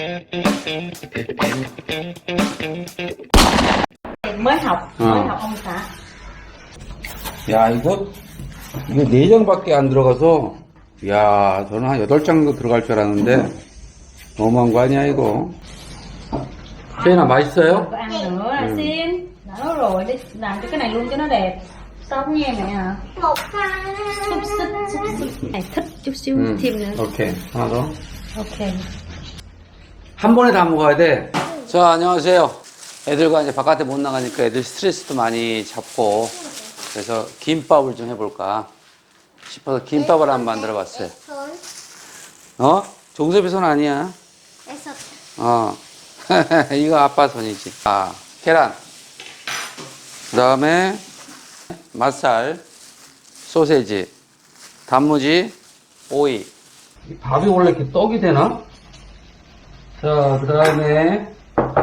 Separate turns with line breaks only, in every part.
mới học ông xã.
야, 이거 4장밖에 안 들어가서, 야, 저는 한 8장 정도 들어갈 줄 알았는데, 너무한 거 아니야, 이거? 세인아, 맛있어요?
Có ăn nữa là xin. Đó rồi, đi làm cho cái này luôn cho nó đẹp. Xong nha mẹ à.
Một hai.
Xúc xích. Này thích chút xíu thêm nữa.
오케이. 하나 더.
Ok.
한 번에 다 먹어야 돼. 자, 안녕하세요. 애들과 이제 바깥에 못 나가니까 애들 스트레스도 많이 잡고, 그래서 김밥을 좀 해볼까 싶어서 김밥을 한번 만들어 봤어요. 어? 종섭이 손 아니야. 어. 이거 아빠 손이지. 아, 계란. 그 다음에 맛살, 소세지, 단무지, 오이. 밥이 원래 이렇게 떡이 되나? 자, 그 다음에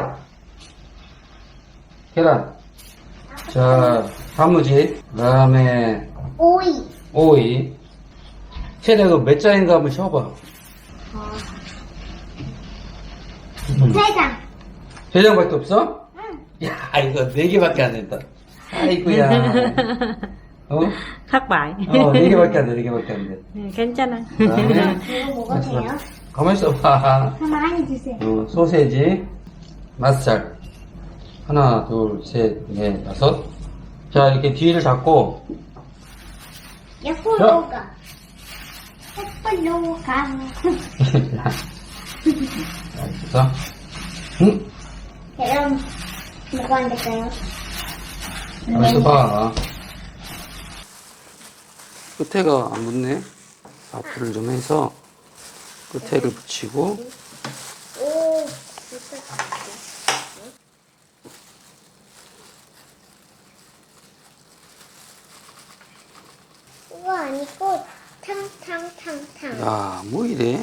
계란. 자, 단무지. 그 다음에
오이.
오이. 세대 이거 몇 장인가 한번 쉬어봐.
세 장.
3장밖에 없어? 응. 야, 이거 4개밖에 안 된다. 아이고야. 어?
Thất bại.
4개밖에 안 돼, 4개밖에 안 돼.
괜찮아.
그다음에
이거 뭐가 돼요?
가만히 있어봐.
가만히 주세요.
소세지, 맛살. 하나, 둘, 셋, 넷, 다섯. 자, 이렇게 뒤를 잡고.
옆으로 가. 옆으로 가.
자, 응?
그럼 뭐가 안 될까요?
가만히 있어봐. 끝에가 안 붙네. 앞을 좀 해서 끝에를 붙이고.
오. 이거 아니고 탕탕탕탕.
야, 뭐 이래?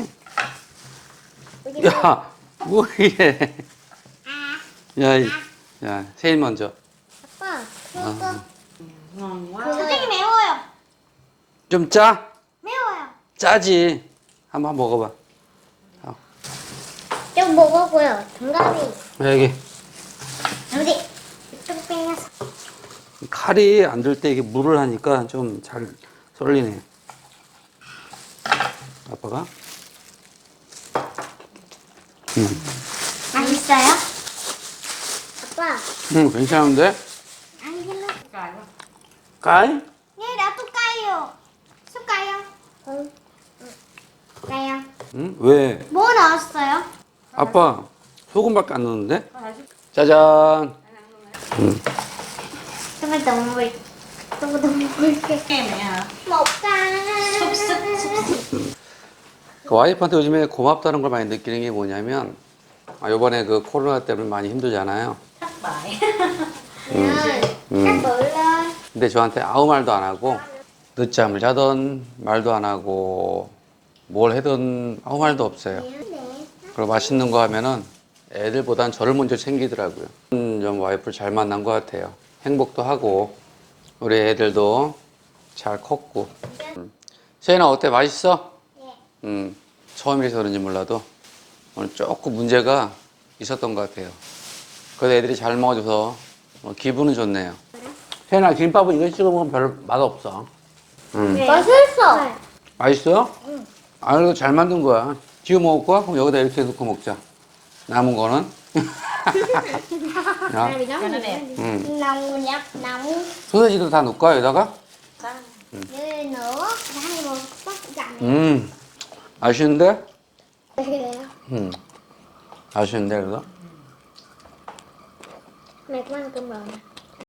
야, 뭐 이래? 야, 야, 세일 먼저.
아빠, 그거
Ngon quá.
선생님 매워요.
좀 짜?
매워요.
짜지. 한번 먹어봐.
좀 먹어보요. 정답이
여기
어디? 좀 빼서.
칼이 안 들 때 이게 물을 하니까 좀 잘 썰리네. 아빠가?
맛있어요? 아빠,
응, 괜찮은데?
안 길러.
깔?
네, 나도 까요. 숟가요? 응. 까요.
응? 왜?
뭐 넣었어요?
아빠, 소금밖에 안 넣었는데? 짜잔. 응.
정말 너무 너무 굵게.
Nghe mẹ à.
먹자.
Xúc xích, xúc xích.
그 와이프한테 요즘에 고맙다는 걸 많이 느끼는 게 뭐냐면, 요번에 그 코로나 때문에 많이 힘들잖아요.
Thất bại.
딱 몰라.
근데 저한테 아무 말도 안 하고, 늦잠을 자던 말도 안 하고, 뭘 하든 아무 말도 없어요. 그리고 맛있는 거 하면은 애들보단 저를 먼저 챙기더라고요. 좀 와이프를 잘 만난 것 같아요. 행복도 하고, 우리 애들도 잘 컸고. 세인아, 어때? 맛있어? 처음이라서 그런지 몰라도 오늘 조금 문제가 있었던 것 같아요. 그래도 애들이 잘 먹어줘서 기분은 좋네요. 세인아, 김밥은 이거 찍어 먹으면 별 맛없어.
맛있어.
맛있어요? 응. 아, 그래도 잘 만든 거야. 지금 먹을 거야? 그럼 여기다 이렇게 넣고 먹자. 남은 거는. 야,
Cho nó đẹp.
nóng nhấp nóng.
소세지도 다 넣을까, 여기다가?
Rồi nữa, hai một bắt dặn.
맛있는데?
Mẹ
맛있는데, 그래도?
có ăn cơm rồi nè.